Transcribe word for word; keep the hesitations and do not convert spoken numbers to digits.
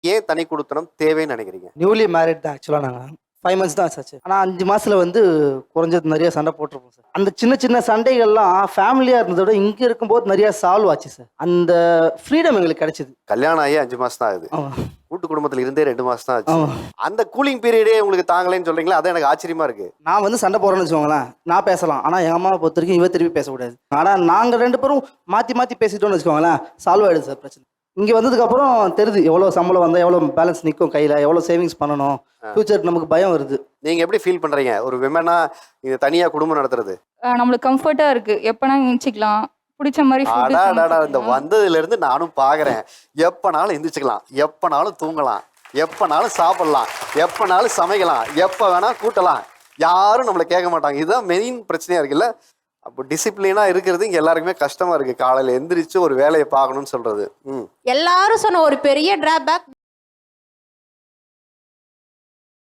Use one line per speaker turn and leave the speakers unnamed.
ஏன் தனி குடித்தனம் தேவைன்னு நினைக்கிறீங்க?
நியூலி மேரிட் தான் ஆக்சுவலாக. நாங்கள் ஃபைவ் மந்த்ஸ் தான் ஆச்சு. ஆனால் அஞ்சு மாசத்துல வந்து குறைஞ்சது நிறைய சண்டை போட்டிருப்போம் சார். அந்த சின்ன சின்ன சண்டைகள்லாம் ஃபேமிலியாக இருந்ததை விட இங்கே இருக்கும்போது நிறைய சால்வ் ஆச்சு சார். அந்த ஃப்ரீடம் எங்களுக்கு கிடைச்சிது.
கல்யாணம் ஆகி அஞ்சு மாசம் தான் ஆகுது,
ஆமாம்
கூட்டு குடும்பத்துல இருந்தே ரெண்டு மாசம் தான் ஆச்சு.
ஆமாம்.
அந்த கூலிங் பீரியடே உங்களுக்கு தாங்கலைன்னு சொல்றீங்களா? அதான் எனக்கு ஆச்சரியமா இருக்கு.
நான் வந்து சண்டை போடுறேன்னு வச்சுக்கோங்களேன், நான் பேசலாம். ஆனால் எங்கள் அம்மாவை பொறுத்த வரைக்கும் இவ திருப்பி பேசக்கூடாது. ஆனால் நாங்கள் ரெண்டு பேரும் மாற்றி மாற்றி பேசிட்டோம்னு வச்சுக்கோங்களேன், சால்வ் ஆகிடுது சார் பிரச்சனை. இங்கே வந்ததுக்கப்புறம் தெரியுது எவ்வளோ சம்பளம் வந்தால் எவ்வளோ பேலன்ஸ் நிற்கும் கையில், எவ்வளோ சேவிங்ஸ் பண்ணணும், ஃபியூச்சருக்கு நமக்கு பயம் வருது.
நீங்க எப்படி ஃபீல் பண்றீங்க ஒரு விமனா இது தனியா குடும்பம் நடத்துறது?
அஹ் நம்மளுக்கு கம்ஃபர்ட்டா இருக்கு. எப்பனா எந்திரிச்சுக்கலாம், பிடிச்ச மாதிரி food
அடாடாடா, இந்த
சமைச்சுக்கலாம்.
வந்ததுல இருந்து நானும் பாக்குறேன். எப்பனாலும் எந்திரிச்சுக்கலாம், எப்பனாலும் தூங்கலாம், எப்பனாலும் சாப்பிடலாம், எப்பனாலும் சமைக்கலாம், எப்ப வேணா கூட்டலாம், யாரும் நம்மளை கேட்க மாட்டாங்க. இதுதான் மெயின் பிரச்சனையா இருக்குல்ல. அப்போ டிசிப்ளினா இருக்கிறது இங்க எல்லாருக்குமே கஷ்டமா இருக்கு. காலையில எந்திரிச்சு ஒரு வேலையை பார்க்கணும்னு சொல்றது. ம்
எல்லாரும் சொன்ன ஒரு பெரிய டிராபேக்